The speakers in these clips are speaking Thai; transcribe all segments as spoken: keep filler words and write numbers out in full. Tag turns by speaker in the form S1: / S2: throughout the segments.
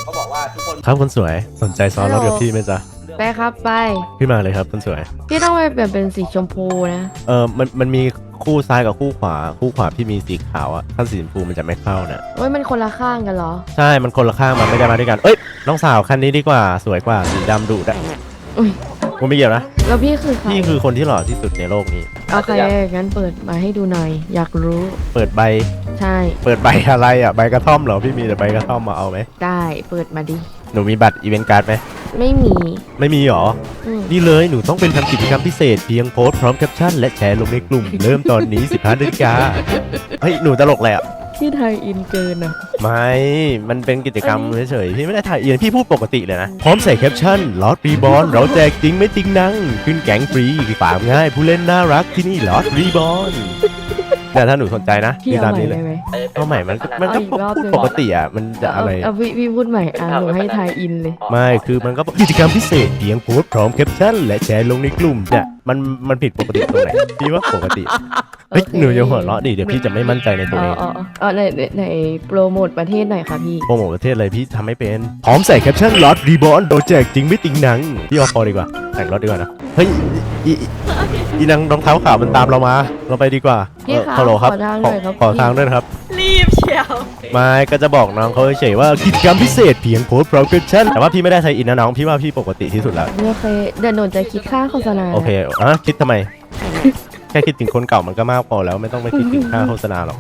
S1: เขาบอกว่าทุกคน
S2: ครับคนสวยสนใจซ้อนรถกับพี่ไหมจ๊ะ
S3: ไปครับไป
S2: พี่มาเลยครับคนสวย
S3: พี่ต้องไปเปลี่ยนเป็นสีชมพูนะ
S2: เออมันมันมีคู่ซ้ายกับคู่ขวาคู่ขวาพี่มีสีขาวอะถ้าสีชมพูมันจะไม่เข้านะ
S3: เฮ้ยมันคนละข้างกันเหรอ
S2: ใช่มันคนละข้างมันไม่ได้มาด้วยกันเอ้ยน้องสาวคันนี้ดีกว่าสวยกว่าสีดำดุดะ
S3: อุ้ย
S2: กูไม่เกี่ยวนะ
S3: แล้วพี่คือใคร
S2: พี่คือคนที่หล่อที่สุดในโลกนี้
S3: โอเคงั้นเปิดมาให้ดูหน่อยอยากรู้
S2: เปิดใบ
S3: ใช่
S2: เปิดใบอะไรอ่ะใบกระท่อมเหรอพี่มีแต่ใบกระท่อมมาเอาไหม
S3: ได้เปิดมาดิ
S2: หนูมีบัตรอีเวนต์การ์ดไหม
S3: ไม่มี
S2: ไม่มีหรอนี่เลยหนูต้องเป็นทำกิจกรรมพิเศษเพียงโพสต์พร้อมแคปชั่นและแชร์ลงในกลุ่มเริ่มตอนนี้สิบห้านาฬิกาเฮ้ยหนูตลกแหละ
S3: พี่ไทยอินเกินอ่ะ
S2: ไม่มันเป็นกิจกรรมเฉยๆพี่ไม่ได้ถ่ายเอียนพี่พูดปกติเลยนะพร้อมใส่แคปชั่นลอตรีบอลเราแจกจริงไม่จริงนังขึ้นแก๊งฟรีฝากง่ายผู้เล่นน่ารักที่นี่ลอตรีบอลแต่ถ้าหนูสนใจนะ
S3: พี่เอาใหม่ได้ไหม
S2: เอาใหม่มันมันก็พูดปกติอ่ะมันจะอะไร
S3: เอาพี่พี่พูดใหม่อ่ะหนูให้ไทยอินเลย
S2: ไม่คือมันก็กิจกรรมพิเศษเพียงโพสต์พร้อมแคปชั่นและแชร์ลงในกลุ่มเนี่ยมันมันผิดปกติตรงไหนพี่ว่าปกติเฮ้ยหนูอย่าหัวเราะดิเดี๋ยวพี่จะไม่มั่นใจในตัวเอง
S3: อ๋ออ๋อในในโปรโมทประเทศหน่อยค่ะพี่
S2: โปรโมทประเทศอะไรพี่ทำไม่เป็นพร้อมใส่แคปชั่นลอตรีบอลโดนแจกจริงไม่ติงหนังพี่เอาพอดีกว่าแต่งรถดีกว่านะเฮ้ยอีอีนางรองเท้าขาวมันตามเรามาเราไปดีกว่า
S3: พี่คะ
S2: ฮัลโหลครับขอทางด้วยครับ
S4: รีบเชียว
S2: ไม่ก็จะบอกน้องเขาเฉยๆว่ากิจกรรมพิเศษเพียงโพสต์พร้อมแคปชั่นแต่ว่าพี่ไม่ได้ใช้อินนะน้องพี่ว่าพี่ปกติที่สุดแล้ว
S3: โอเคเดี๋ยวหนูจะคิดค่าโฆษณา
S2: โอเคอ่ะคิดทำไมแค่คิดถึงคนเก่ามันก็มากพอแล้วไม่ต้องไปคิดถึงค่าโฆษณาหรอก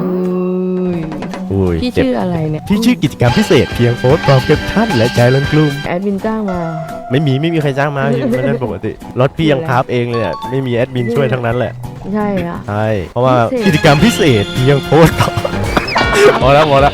S3: อุ้ยพี่ชื่ออะไรเนี่ย
S2: พี่ชื่อกิจกรรมพิเศษเพียงโพสต์พร้อมแคปชั่นและแชร์ลงกลุ่ม
S3: แอดมินจ้างมา
S2: ไม่มีไม่มีใครจ้างมาพี่ไม่ได้ปกติรถพี่ยังคราฟเองเลยเนี่ยไม่มีแอดมินช่วยทั้งนั้นแหละ
S3: ใช่อะ
S2: ใช่เพราะว่ากิจกรรมพิเศษเพียงโพสต์พอแล้วพอแล้ว